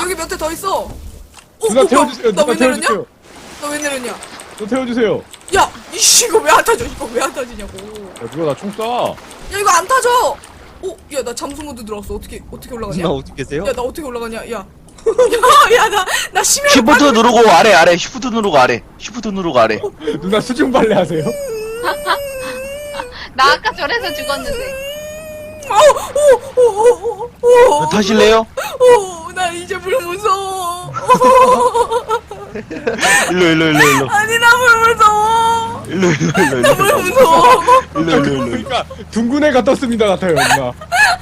여기 몇 대 더 있어. 누나 태워주세요. 누나 태워주세요. 너 왜 내렸냐? 너 태워주세요. 야, 이씨 이거 왜 안 타져? 이거 왜 안 타지냐고. 야, 누가 나 총 쏴. 야, 이거 안 타져. 야, 나 잠수 모드 들어왔어. 어떻게 올라가냐? 누나 어디 계세요? 야, 나 어떻게 올라가냐? 야. 야, 나 심해. 시프트 누르고 아래 시프트 누르고 아래 시프트 누르고 아래 누나 수중 발레 하세요? 나 아까 저래서 죽었는데. 타실래요? 나 이제 물 무서워. 일로 아니, 나 물 무서워. 일로 나 물 무서워. 일로 그러니까 둥근 애가 떴습니다 같아요 누나.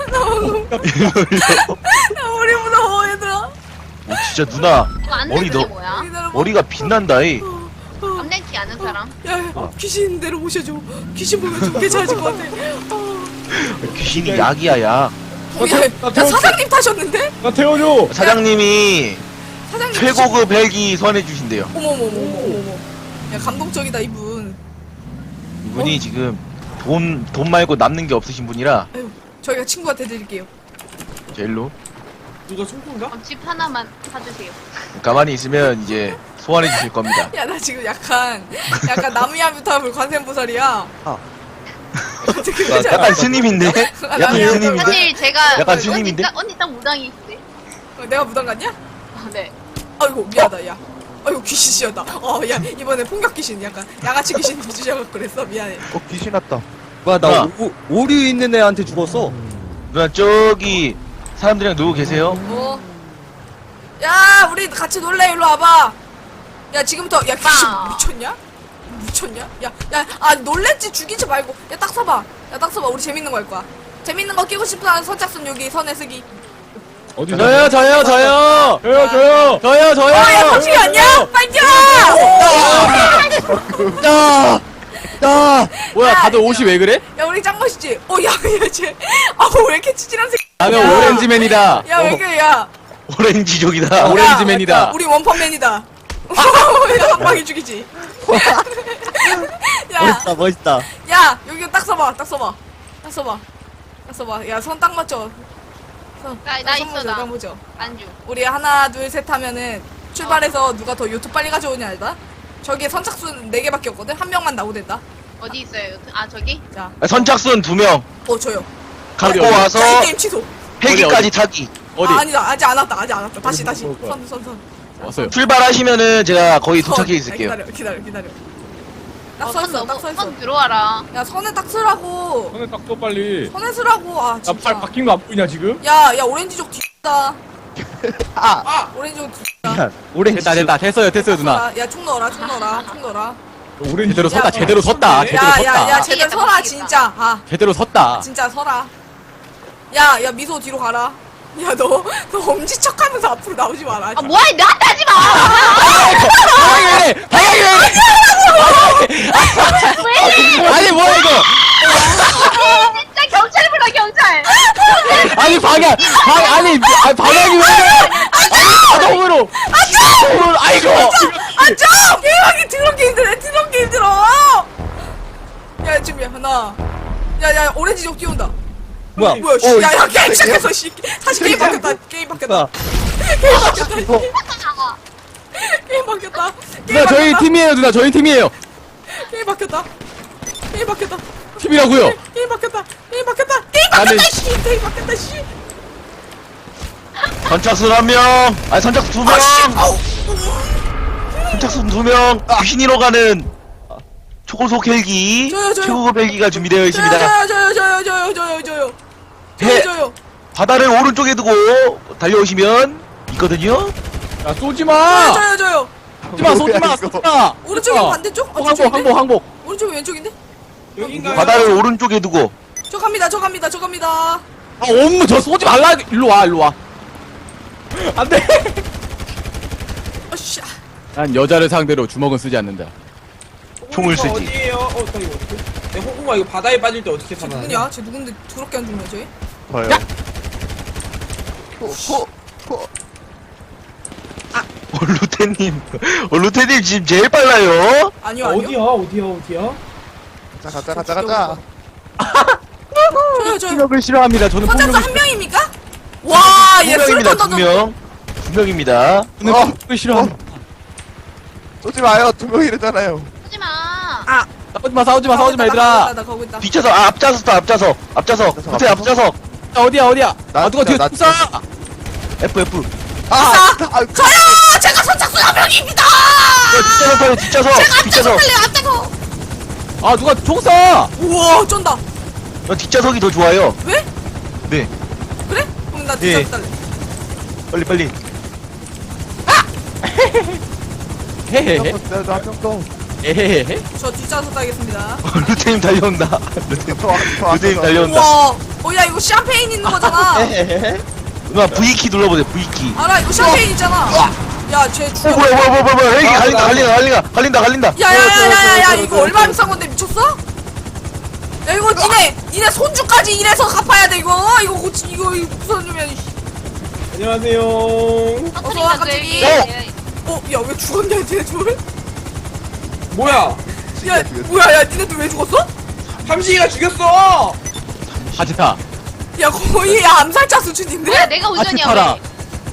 나 물이 무서워, 얘들아. 진짜 누나 이거 안 머리 되는 게 너 뭐야? 기다려봐. 머리가 빛난다 이 암냉키 아는 사람? 야, 귀신 데려 모셔줘. 귀신 보면 좀 괜찮아질 것 같아. 귀신이 약이야 약 야, 사장님 타셨는데? 나 태워줘. 사장님이 사장님 최고급 헬기 선해주신대요. 어머머머머머머. 야, 감동적이다 이분. 이분이 지금 돈 말고 남는 게 없으신 분이라 아유, 저희가 친구한테 드릴게요. 자 일로 누가 총구인가? 그럼 집 하나만 사주세요. 가만히 있으면 이제 소환해 주실 겁니다. 야, 나 지금 약간 나무야부타불 관세음보살이야. 어떻게 되지? 약간 스님인데? 약간 스님인데? 사실 제가 약간 스님인데? 언니 딱 무당이 있대. 내가 무당 같냐? 아, 네. 아이고 미안하다 야. 아이고 귀신이었다. 야 이번에 폭격 귀신 약간 양아치 귀신 주셔서 그랬어 미안해. 귀신 왔다. 뭐야 나 누나. 오류 있는 애한테 죽었어. 누나 저기 사람들이랑 누구 계세요? 야 우리 같이 놀래 일로 와봐. 야 지금부터 야 귀신 빠. 미쳤냐? 야 놀랬지 죽이지 말고 야 딱 서봐. 우리 재밌는 거 할 거야. 재밌는 거 끼고 싶은 선착순 여기 선에 쓰기. 어디 저요. 저요. 야 덕식이 왔냐? 빨리 뛰어! 뭐야 야, 다들 옷이 왜 그래? 야 우리 짱 멋있지? 쟤왜 이렇게 치질한 새끼? 나는 야. 오렌지맨이다. 야 왜 그래 야? 오렌지족이다. 야, 오렌지맨이다. 우리 원펀맨이다. 야, 한 방에 죽이지. 멋있다. 야, 여기 딱 서봐. 야, 손 딱 맞춰. 나 있어, 나. 딱 보죠. 안주. 우리 하나, 둘, 셋 하면은 출발해서 누가 더 요트 빨리 가져오냐 알다? 저기에 선착순 4개밖에 없거든? 한 명만 나오된다. 어디 있어요? 아, 저기? 자, 선착순 2명 저요. 갖고 어디? 와서 자, 이 게임 취소. 헬기까지 타기. 어디? 아니다. 아직 안 왔다. 다시. 뭐, 선. 왔어요. 출발하시면은 제가 거의 도착해 있을게요. 기다려. 딱 서 있어. 선 들어와라. 야, 선에 딱 서라고. 손에 딱 떠 빨리. 선에 서라고. 아, 나 진짜. 팔 바뀐 거 안 보이냐 지금? 야, 오렌지족 뒤다. 오렌지족 뒤다. 오렌지. 됐다. 됐어요 누나. 야, 총 넣어라. 오렌지. 제대로 섰다. 야, 제대로 섰다. 야, 제대로 서라, 진짜. 제대로 섰다. 진짜 서라. 야, 미소 뒤로 가라. 야, 너 엄지척 하면서 앞으로 나오지 마라. 아, 뭐야, 나한테 하지 마! 방향이 왜? 아니 뭐야 이거? 진짜 경찰 불러, 경찰! 아니 방향이 왜? 자동으로. 아이고. 좀! 게임하기 더럽게 힘들어! 야, 지금 하나. 야, 오렌지족 뛰어온다. 뭐야? 씨. 야, 게임 시작했어, 씨. 다시 게임 바뀌었다. 게임 바뀌었다. 누나 저희 팀이에요 누나 저희 팀이에요. 게임 바뀌었다. 팀이라고요. 게임 바뀌었다, 나는- 씨. 게임 바뀌었다, 씨. 선착순 1명, 아니 선착순 2명, 아우. 선착순 2명, 귀신이로 가는 초고속 헬기, 저요. 최고급 헬기가 준비되어 있습니다. 저요. 바다를 오른쪽에 두고 달려오시면 있거든요. 야 쏘지 마. 저요. 쏘지 마. 오른쪽이 반대쪽? 항복. 오른쪽이 왼쪽인데? 여긴가요? 바다를 오른쪽에 두고 저 갑니다. 아 엄마 저 쏘지 말라. 일로 와. 안돼. 어씨. 난 여자를 상대로 주먹은 쓰지 않는다. 총을 쓰지. 어디에요? 나 이거 어떻게? 내 호구가 이거 바다에 빠질 때 어떻게 쟤 살아나냐? 누구냐? 쟤 누군데 더럽게 안 죽냐 쟤? 저요. 루테님 지금 제일 빨라요. 아니요. 어디야? 가자. 저요. 폭력을 싫어합니다. 저는 선착순 폭력을 한 명입니까? 와, 얘 2명입니다. 술탄 던져. 2명. 2명입니다. 오늘 싫어. 쏘지 마요. 2명이랬잖아요. 하지 마. 싸우지 마, 얘들아. 나 가고 있다. 뒤쳐서, 앞좌석, 앞좌석. 끝에 앞좌석. 어디야? 나 누가 뒤에 진짜, 총 쏴? F. 저요! 제가 선착순 한 명입니다! 뒷좌석. 앞에서! 아, 누가 총 쏴? 우와, 쩐다. 뒷좌석이 더 좋아요. 왜? 네. 그래? 그럼 나 예. 뒤잡 달래. 빨리. 헤헤헤. 나도 한명 더. 에헤헤헤. 저 뒷좌석 따겠습니다. 루테님 달려온다. 루테님 달려온다. 우와. 야, 이거 샴페인 있는 거잖아. 누나 V키 눌러보세요. V키. 알아, 이거 샴페인 있잖아. 야, 쟤 죽여. 뭐야. 헬기 갈린다. 야야야야야 이거 얼마 비싼 건데 미쳤어? 야 이거 니네 손주까지 이래서 갚아야 돼 이거 고치 이거 무슨 놈이야 이씨. 안녕하세요. 어서 와, 갑자기. 야 왜 죽었냐 니네 둘? 뭐야? 야 뭐야 야 니네 둘 왜 죽었어? 삼식이가 죽였어. 아지타. 야 거의 야 암살자 수준인데? 뭐야 내가 우전이야 아치타라. 왜?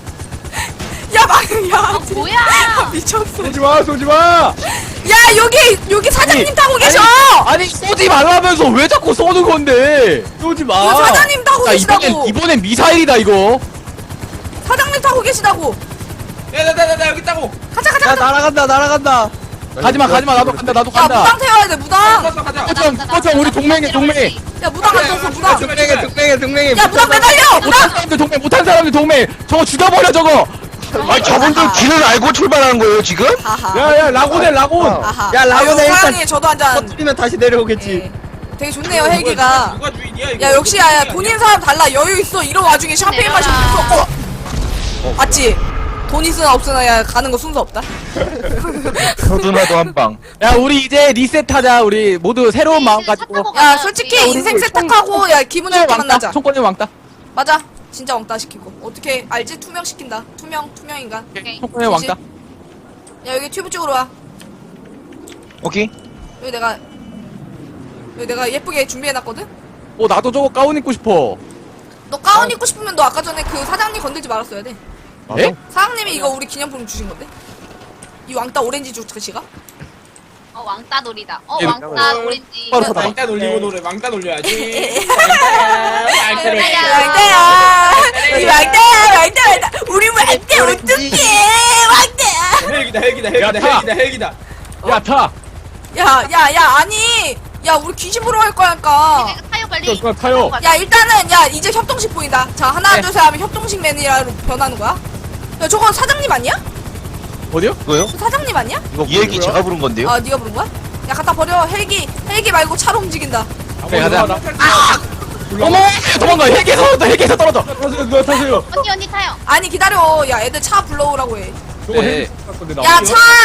야 뭐야? 미쳤어. 쏘지 마. 야 여기 사장님 타고 계셔. 아니, 쏘지 말라면서 왜 자꾸 쏘는 건데? 쏘지 마. 이거 사장님 타고 야, 계시다고. 이번엔 미사일이다, 이거. 사장님 타고 계시다고. 나 여기 있다고. 가자. 날아간다. 가지마, 나도 간다, 야 무당 태워야 돼 무당. 가자. 꺼져, 우리 동맹이야, 동맹. 야 무당 안 떴어 무당. 동맹이. 야 무당 매달려 무당. 못한 사람들 동맹. 저거 죽여버려, 저거. 저분들 길을 알고 출발하는 거예요, 지금? 하하. 야야 라곤해 라곤. 아하. 야 라곤해 일단 사장님 저도 한잔. 터뜨리면 다시 내려오겠지. 예. 되게 좋네요 헬기가. 누가 주인이야 이거? 야 역시 야 돈 있는 사람 달라 여유 있어 이런 와중에 샴페인 마시고 있어. 맞지? 돈 있으나 없으나 야 가는 거 순서 없다. 서두나도 한 방. 야, 우리 이제 리셋하자. 우리 모두 새로운 마음 가지고. 야 솔직히 인생 세탁하고 야 기분 좋게 만나자. 총권의 왕따. 맞아. 진짜 왕따 시키고 어떻게 알지? 투명 시킨다. 투명 인간. 오케이. 총권의 왕따. 야 여기 튜브 쪽으로 와. 오케이. 여기 내가 예쁘게 준비해놨거든. 나도 저거 가운 입고 싶어. 너 가운 입고 싶으면 너 아까 전에 그 사장님 건들지 말았어야 돼. 에? 사장님이 이거 우리 기념품 주신 건데. 이 왕따 오렌지 주스가? 왕따 놀이다. 예, 왕따 오렌지. 바로 받아. 왕따 놀리고 노래. 왕따 놀려야지. 왕따야 이 왕따야 우리 왕따 어떡해 왕따. 헬기다. 야, 타. 야 아니 야 우리 귀신 보러 갈 거니까. 내가 타요 빨리. 그거 타요. 야 일단은 야 이제 협동식 보인다. 자 하나 둘 셋 하면 협동식 매니아로 변하는 거야. 야 저건 사장님 아니야? 어디요? 이거요? 저 사장님 아니야? 이 얘기 제가 부른 건데요? 아 네가 부른 거야? 야 갖다 버려. 헬기 말고 차로 움직인다. 그래, 가자. 아! 어머! 도망가! 헬기에서 떨어져! 타세요 누가 타세요. 언니 타요. 아니 기다려. 야 애들 차 불러오라고 해. 저거 네. 헬기 건데 나. 야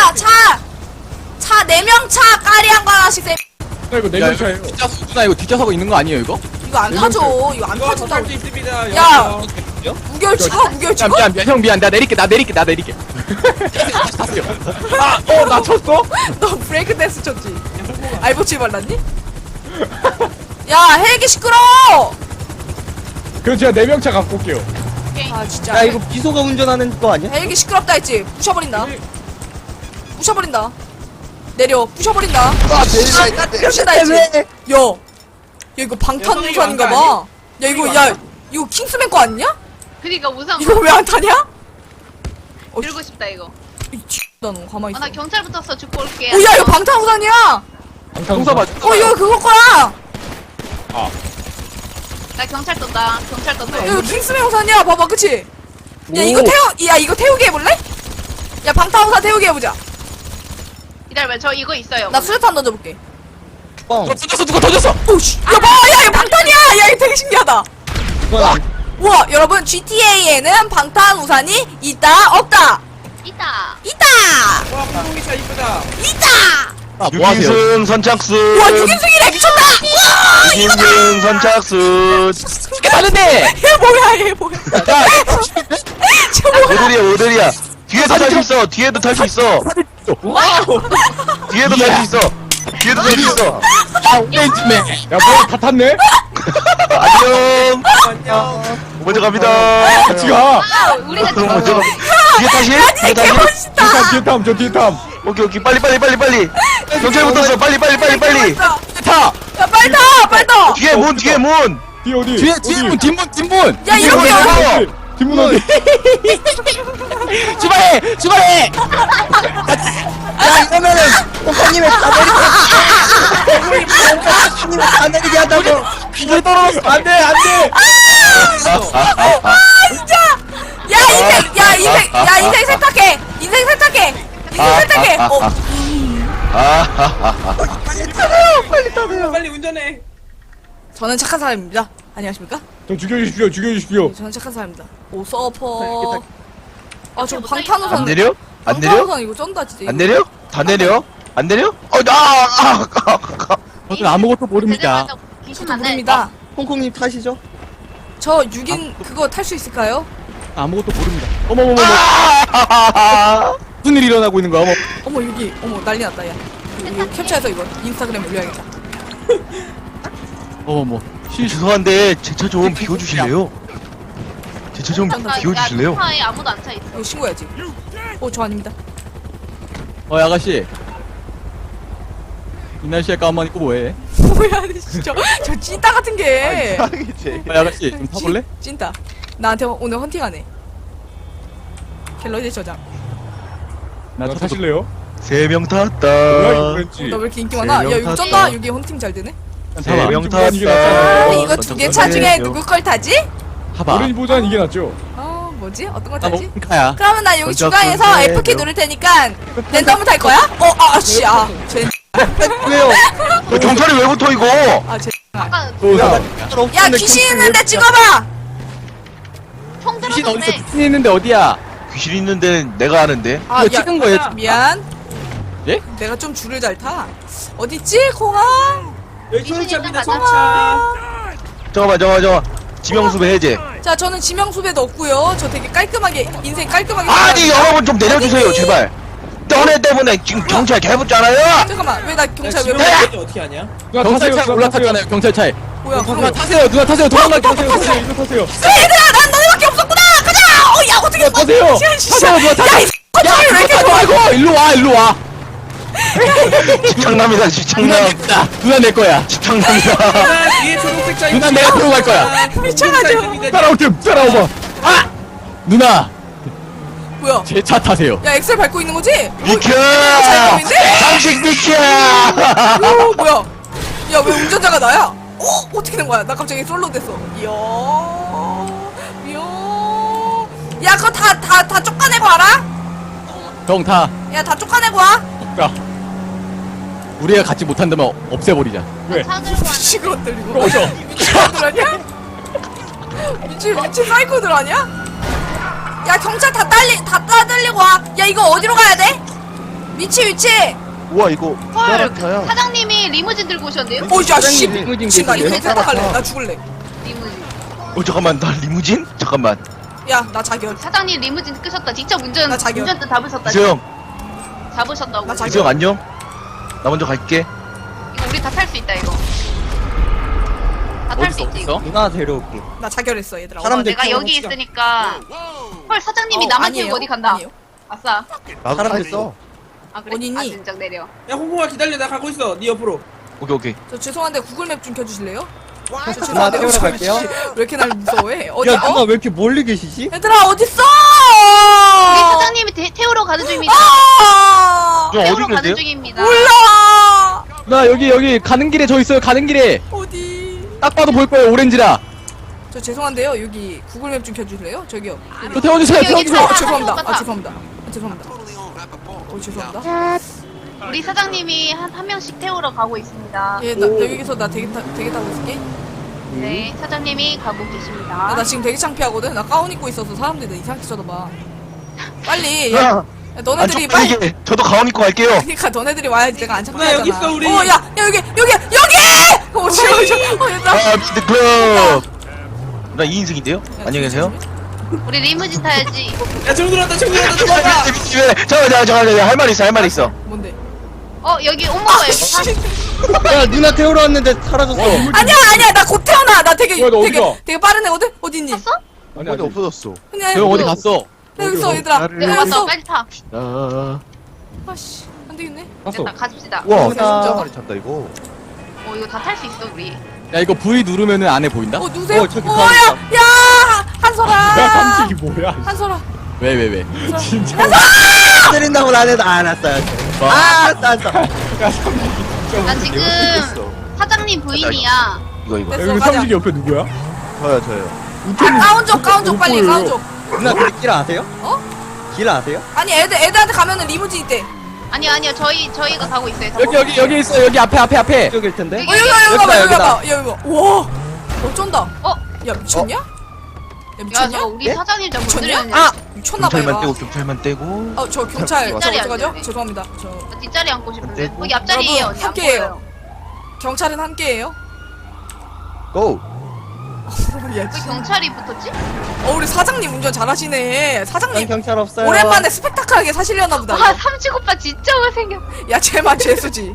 차 4명 차 까리한 거 하나씩 세. 이거 야, 내년 이거 차예요. 뒷좌석, 이거 뒷좌석 있는 거 아니에요, 이거? 이거 안 타죠. 이거 안 이거 타죠. 탈수 있습니다. 야! 여기요. 무결 찍어? 형, 미안. 나 내릴게. 나 내릴게. 탔어요. 나 쳤어? 너 브레이크 댄스 쳤지? 알보칠 발랐니? 야 헬기 시끄러워! 그럼 제가 4명 차 갖고 올게요. 아 진짜 야 이거 비소가 운전하는 거 아니야? 헬기 시끄럽다 했지? 부셔버린다 내려 부셔버린다 부신다 했지? 야 이거 방탄우산인가봐 야 이거 킹스맨 거 아니냐? 그니까 우선 이거 왜 안 타냐? 들고 싶다 이거. 너 가만히 있어 나 경찰 붙었어. 죽고 올게. 야 이거 방탄우산이야! 동사 봐. 이거 그거 거야! 나 경찰 떴다. 야 이거 킹스맨 우산이야 봐봐 그치? 야 이거 태우게 해볼래? 야 방탄우산 태우게 해보자 기다려봐. 저 이거 있어요. 나 수류탄 던져볼게 누가 던졌어! 오씨 야 봐! 야 이거 방탄이야! 야 이거 되게 신기하다 우와 여러분 GTA에는 방탄우산이 있다 없다 있다. 있다 와 공동기차 이쁘다. 있다 뭐 하세요? 6인승 선착순. 우와 6인승이래 미쳤다 우와 6인승 선착순. 이렇게 다른데! 얘 뭐야 야, 쟤 뭐야 오들이야. 뒤에도 탈 수 있어. 뒤에도 탈 수 있어. 뒤에도 탈 수 있어. 오렌지맨. 야 뭐야 다 탔네? 안녕. 안녕. 먼저 갑니다. 같이 가. 우리가 먼저 갑니다. 뒤에 타실? 뒤에 타실? 멋있다. 뒤에 탐, 저 뒤에 탐. 오케이 오케이 빨리 경찰 붙었어 빨리 멋있다. 타! 야 빨리 타 빨리 타. 뒤에 문 뒤에 어디? 뒤에 어디? 문 뒷문! 야 이렇게 뒷문, 하면 뒷문. 뒷문 어디? 출발해! 야 이러면은 뽕뽕님의 뽕뽕님의 다 내리게 한다고. 이게 떨어졌어! 안 돼, 안 돼! 야 인생 세탁해. 인생 세탁해. 빨리 운전해. 저는 착한 사람입니다. 안녕하십니까? 저 죽여주십시오. 저는 착한 사람입니다. 오 서퍼. 아 저 안 방탄우산. 내려? 안 내려? 방탄우산 이거 쩐다 진짜. 안 내려? 다 내려? 안 내려? 저는 아무것도 모릅니다. 귀신 저도 만나. 모릅니다. 콩콩님 타시죠. 저 6인 그거 탈 수 있을까요? 아무것도 모릅니다. 어머머머. 무슨 일이 일어나고 있는 거야? 어머. 어머 여기 어머 난리 났다 야. 이거 캡처해서 이거 인스타그램에 올려야겠다. 어머머. 죄송한데 제 차 좀 비워주실래요? 제 차 좀 비워주실래요? 차에 아무도 안 차 있어. 이거 신고해야지. 저 아닙니다. 아가씨. 이 날씨에 가만 입고 뭐해? 뭐야 진짜 저 찐따 같은 게. 이상이지. 아가씨 좀 타볼래? 찐따. 나한테 오늘 헌팅하네. 갤러리 저장. 나 나 타서 타실래요? 3명 뭐야, 탔다. 이거 왠지. 나 왜 이렇게 인기 많아? 야 이거 쩐다. 여기 헌팅 잘 되네. 타봐. 3명 이게 탔다. 아 낫잖아요. 이거 두 개 차 중에 누구 걸 타지? 타봐. 어린이보다는 이게 낫죠? 아 뭐지? 어떤 걸 나 타지? 몽카야. 그러면 나 여기 먼저 중간에서 끊게 F키 해요. 누를 테니까 랜덤을 탈 거야? 아씨 쟤. 왜요? 경찰이 왜 붙어 이거? 쟤. 아까 야 귀신 있는데 찍어봐. 총 귀신 어딨어? 들어줬네. 귀신 있는데 어디야? 귀신 있는 데는 내가 아는데. 아, 이거 찍은 거예요? 미안. 예? 내가 좀 줄을 잘 타. 어딨지 공항? 여기 귀신이 소리차입니다, 딱 소리차. 잠깐만. 지명수배 해제. 자 저는 지명수배도 없고요. 저 되게 깔끔하게 인생 깔끔하게. 아니 살아요. 여러분 좀 내려주세요 아니. 제발. 너네 때문에 지금 경찰 개붙잖아요. 잠깐만 왜 나 야, 경찰 왜 지금 불러? 어디 어떻게 하냐? 누나 경찰차에 타세요, 올라탔잖아요. 경찰차에. 뭐야? 누나 타세요. 누나 타세요. 도망가. 타세요, 이거 타세요. 얘들아 난 너네밖에 없었구나. 가자. 야 어떻게 타세요. 타세요. 누나 타세요. 야이 왜 이렇게 좋아? 아이고 일로 와. 집착남이다 집착남. 누나 내 거야. 집착남이다. 누나 뒤에 초록색 차 누나 있습니다. 내가 들고 갈 거야. 미쳐가지고. 따라오봐. 누나 뭐야? 제 차 타세요. 야 엑셀 밟고 있는 거지? 비켜. 잠식 비켜. 오 뭐야? 야 왜 운전자가 나야? 어떻게 된 거야? 나 갑자기 솔로 됐어. 이야. 야 그거 다 쫓아내고 와라. 정 타. 야 다 쫓아내고 와. 야. 우리가 같이 못한다면 없애버리자. 왜? 차 들고 왔네. 미친 것들 이거. 미친 것들 아니야? 미친 사이코들 아니야? 야 경찰 다 따들리고 와. 야 이거 어디로 가야 돼? 위치. 우와 이거 헐, 따라타요. 사장님이 리무진 들고 오셨네요? 오야 씨. 리무진 미친 나 계세요? 인생 탈탈할래. 나 죽을래. 리무진. 잠깐만 나 리무진? 잠깐만. 야 나 자결. 사장님 리무진 끄셨다. 직접 나 자격. 운전대 잡으셨다. 이수영. 잡으셨다고. 나 자격. 이수영 안녕. 나 먼저 갈게. 이거 우리 다 탈 수 있다 이거. 다 탈 수 있지 이거. 누나 데려올게. 나 자결했어 얘들아. 사람들 내가 여기 키워놓읍시다. 있으니까. 헐 사장님이 나만 아니에요. 태우고 어디 간다. 아니에요. 아싸. 나도 사람들 써. 아 그래? 어디 있니? 아 진작 내려. 야, 홍콩아 기다려. 나 가고 있어. 네 옆으로. 오케이. 저 죄송한데 구글맵 좀 켜주실래요? 저 누나 죄송한데 태우러 갈게요. 왜 이렇게 날 무서워해? 어디? 야 누나 왜 이렇게 멀리 계시지? 얘들아 어딨어? 우리 사장님이 태우러 가는 중입니다. 아! 좀 어디 태우러 가는 계세요? 중입니다. 몰라. 나 여기 가는 길에 저 있어요. 가는 길에 어디? 딱 봐도 보일 거예요. 오렌지라. 저 죄송한데요. 여기 구글맵 좀 켜주실래요? 저기요. 저 태워주세요. 여기 태워주세요. 차. 죄송합니다. 똑같아. 죄송합니다. 죄송합니다. 우리 사장님이 한 명씩 태우러 가고 있습니다. 예, 나 여기서 나 되게 타고 있을게. 네, 사장님이 가고 계십니다. 나 지금 되게 창피하거든. 나 가운 입고 있어서 사람들이 나 이상하게 쳐다봐. 빨리. 야, 너네들이 안 빨리. 쪽팔리게. 저도 가온 입고 갈게요. 그러니까 너네들이 와야지 내가 안 누나, 창피하잖아. 여기 있어, 우리. 야 여기. 얘들아. 미드클럽. 나 2인승인데요? 안녕히 계세요. 우리 리무진 타야지. 야, 정 들어왔다. 도망가. 잠깐만 할 말 있어. 뭔데? 여기 엄마가 여기 사. 야 누나 태우러 왔는데 사라졌어. 아니야 나 곧 태어나. 나 되게 뭐야, 너 어디 가? 되게 빠른 애거든. 어디 있니? 탔어? 아니, 어디 없어졌어. 그냥 저 어디 갔어? 여기 있어 얘들아. 나를- 여기 왔어 왔어. 빨리 타. 아씨 안 되겠네. 봤어. 됐다 가집시다. 우와 진짜. 많이 찼다 이거. 이거 다 탈 수 있어 우리. 야 이거 V 누르면은 안에 보인다? 누구세요? 저기 야 야 한솔아. 삼식이 뭐야? 한솔아. 왜? 진짜. 때린다고 나는 알았어요. 알았어. 야 삼식이 진짜. 나 지금 사장님 부인이야. 이거. 됐어, 여기 가자. 삼식이 옆에 누구야? 저요. 가운쪽 빨리 보여요. 가운쪽. 누나 근데 길 아세요? 어? 길 아세요? 아니 애들한테 가면은 리무진 있대. 아니야 저희가 가고 있어요. 여기 있어 여기 앞에. 이쪽일 텐데. 여기 봐봐 여기 봐봐 여기 봐. 와 어쩐다. 어? 야 미쳤냐? 야 야 미쳤냐? 저 우리 예? 사장님 좀 미쳤냐? 건드렸네. 아 미쳤나봐 경찰만 얘가. 떼고 경찰만 떼고. 저 경찰 뒷자리 저 어떡하죠? 앉아야 돼. 죄송합니다. 저 뒷자리 앉고 싶은데. 떼고. 거기 앞자리에요 여러분, 언니. 안 함께해요. 보여요. 경찰은 함께예요. 고. 야, 왜 경찰이 붙었지? 우리 사장님 운전 잘하시네. 난 사장님 경찰 없어요. 오랜만에 스펙타클하게 사시려나 보다. 와 삼식 오빠 진짜 못생겨. 야 쟤만 죄수지.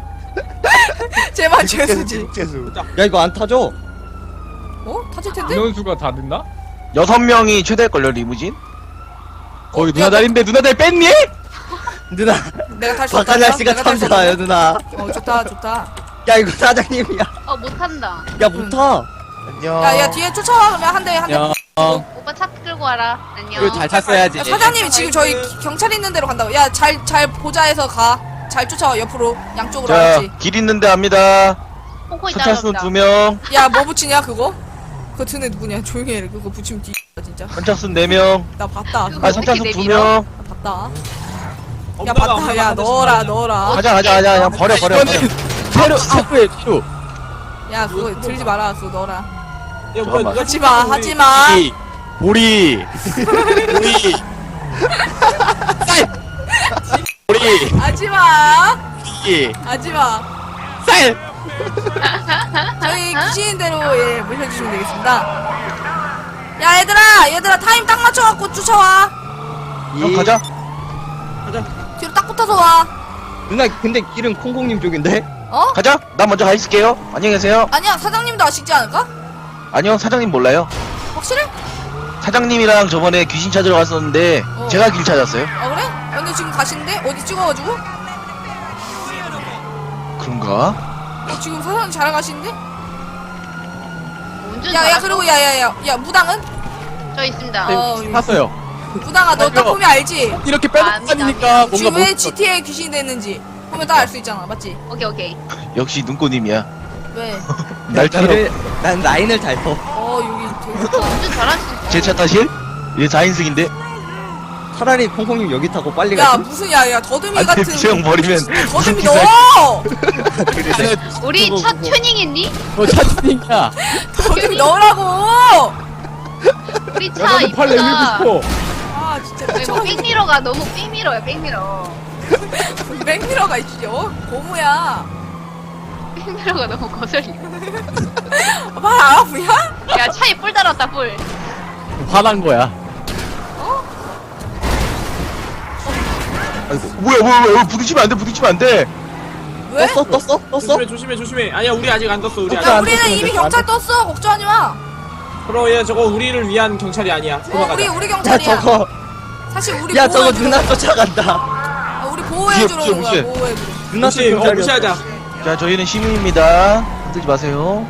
쟤만 죄수지. 야 이거 안 타죠? 어? 타질 텐데? 인원수가 다 됐나? 6명이 최대일걸요 리무진? 거기 누나 다리인데 누나 다리 뺐니? 누나. 내가 탈 수 없다. 박한 날씨가 참 좋아요 누나. 좋다. 야 이거 사장님이야. 못한다. 야 못 타. 안녕. 야 뒤에 쫓아와 그러면 한 대. 야 오빠 차 끌고 와라. 안녕. 이거 잘 탔어야지. 야, 사장님이 지금 저희 경찰 있는 데로 간다고. 야 잘 보자 해서 가. 잘 쫓아와 옆으로 양쪽으로 자, 알았지. 길 있는데 압니다. 콩콩이 선착순 따라갑니다. 2명, 야 뭐 붙이냐 그거? 그거 드네 누구냐? 조용히 해. 그거 붙이면 뒤 진짜. 선착순 4명, 나 봤다. 그거 아 선착순 어떻게 2명. 나 봤다. 야 엄마가 봤다. 야 엄마가 넣어라. 가자. 그냥 버려. 이거는 새로. 야 그거 들지 마라. 그거 넣어라. 야, 뭐야, 잠깐만. 누가 하지마. 보리. 보리. 하지마. 이. 하지마. 쌀. 저희 귀신대로 모셔주시면 되겠습니다. 야 얘들아 타임 딱 맞춰갖고 쫓아와. 형 가자. 뒤로 딱 붙어서 와. 누나 근데 길은 콩콩님 쪽인데? 어? 가자. 난 먼저 가 있을게요. 안녕히 계세요. 아니야 사장님도 아시지 않을까? 아니요, 사장님 몰라요. 확실해? 사장님이랑 저번에 귀신 찾으러 갔었는데 제가 길 찾았어요. 아 그래? 근데 지금 가시는데 어디 찍어가지고? 그런가? 지금 사장님 잘 가시는데? 운전 야 잘하셔. 그리고 야야야 무당은? 저 있습니다. 탔어요. 무당아 너 딱 아니요. 보면 알지? 이렇게 빼놓고 아니다, 다니니까 아니다. 뭔가 지금 왜 못. GTA에 귀신이 됐는지 보면 딱 알 수 있잖아 맞지? 오케이. 역시 눈꽃님이야. 왜? 날 타러 난 라인을 잘 터. 여기 되게 오빠 운전 잘하시네. 제 차 타실? 얘 4인승인데? 차라리 콩콩님 여기 타고 빨리 야 가지. 무슨 야야 더듬이 같은 수영 버리면 더듬이 기사- 넣어! 우리 그거, 차 그거. 튜닝했니? 너 차트닝이야. 더듬이 넣으라고! 우리 차 야나도 팔 이쁘다. 내밀고 싶어. 아 진짜 이거 미쳐가겠네. 백미러가 너무 백미러야 백미러. 맥미러가 있지 고무야. 백미러가 너무 거슬리. 말 안 아프냐? 야 차에 뿔 달았다 뿔. 화난 거야. 뭐야 부딪히면 안 돼. 왜? 떴어? 조심해. 아니야, 우리 아직 안 떴어, 우리 야 아직. 우리는 이미 경찰 떴어 걱정하지 마. 그럼 얘 저거 우리를 위한 경찰이 아니야. 도망가자. 우리 야 경찰이야. 저거. 사실 우리 야 저거 보호해주러- 누나 쫓아간다. 우리 보호해주러 오는 거야 무시해. 보호해주러. 누나 무시하자. 자, 저희는 시민입니다. 흔들지 마세요.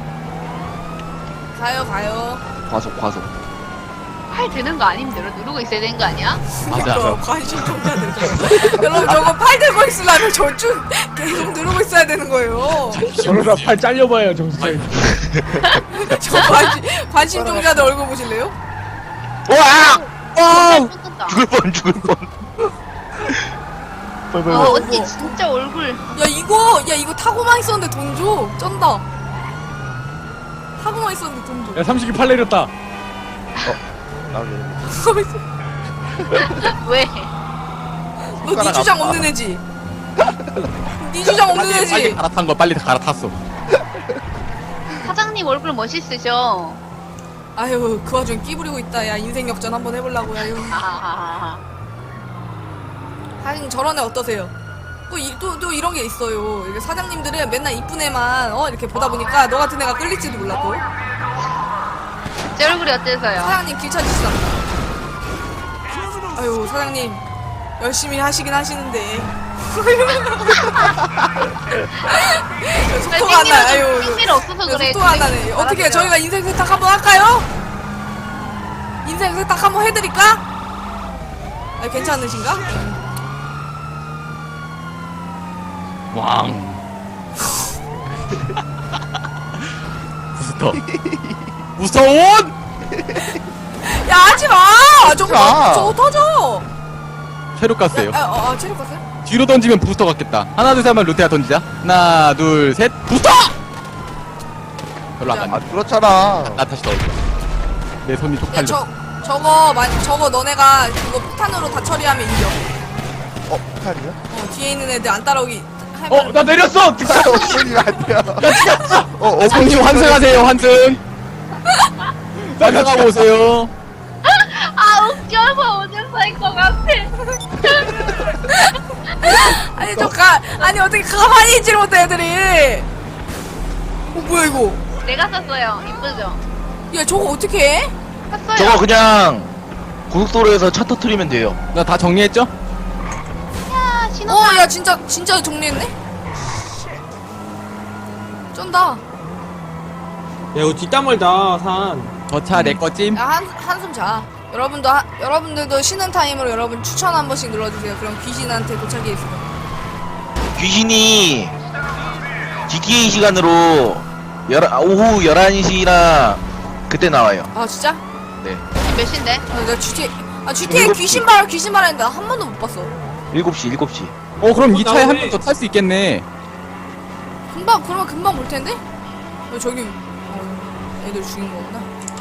가요. 과속. 팔 드는 거 아니면 누르고 있어야 되는 거 아니야? 맞아. 관심 종자들. 여러분 저거 팔 들고 있으려면 저쭉 계속 누르고 있어야 되는 거예요. 저러다 팔 잘려봐요 정수장. 저 관심 종자들 얼굴 보실래요? 와! 뿔 떴다. 죽을 뻔. 언니 진짜 얼굴. 야 이거 타고만 있었는데 돈 줘. 쩐다. 타고만 있었는데 돈 줘. 야 삼식이 팔 내렸다. 왜? 너 네 주장 없는 애지? 네 주장 없는 빨리 애지? 갈아탄 거 빨리 갈아탔어. 사장님 얼굴 멋있으셔. 아유 그 와중에 끼부리고 있다. 야 인생 역전 한번 해보려고. 아유. 아하하하. 하긴 저런 애 어떠세요? 또 이런 게 있어요. 이게 사장님들은 맨날 이쁜 애만 이렇게 보다 보니까 너 같은 애가 끌릴지도 몰라 또. 제 얼굴이 어때서요? 사장님 길 찾으시다. 아유 사장님 열심히 하시긴 하시는데 속도가 안 나. 아유 핑미를 없어서 그래. 속도가 안 나네. 어떻게 저희가 인생 세탁 한번 할까요? 인생 세탁 한번 해드릴까? 아, 괜찮으신가? 왕. 부스터. 무서운! 야 하지마! 저거 터져! 체력 가스예요. 체력 갔어요? 뒤로 던지면 부스터 같겠다. 하나, 둘, 셋 하면 루테아 던지자. 하나, 둘, 셋. 부스터! 별로 안 갔네. 그렇잖아. 나 다시 넣어줘. 내 손이 야 쪽팔려. 저거 너네가 그거 폭탄으로 다 처리하면 이겨. 폭탄이야? 뒤에 있는 애들 안 따라오기 하면 나 내렸어! 어머니 아니야. 어머님 환승하세요, 환승. 환승하고 오세요. 아 웃겨서 오늘 살 것 같아. 아니 어떻게 가만히 있지를 못해 애들이. 뭐야 이거. 내가 샀어요. 이쁘죠? 야 저거 어떻게 해? 샀어요. 저거 그냥 고속도로에서 차 터트리면 돼요. 나 다 정리했죠? 야 신호가. 야 진짜 정리했네? 쩐다. 야 이거 뒷담 멀다 산. 저 차 내 거찜. 야 한숨 자. 여러분들도 쉬는 타임으로 여러분 추천 한 번씩 눌러주세요. 그럼 귀신한테 도착이 있어. 귀신이 GTA 시간으로 오후 11시랑 그때 나와요. 아 진짜? 네. 몇 시인데? 나 GTA 귀신 말했는데 한 번도 못 봤어. 7시. 그럼 이 차에 한 나오네. 번 더 탈 수 있겠네. 그러면 금방 볼 텐데? 저기 애들 죽인 거구나.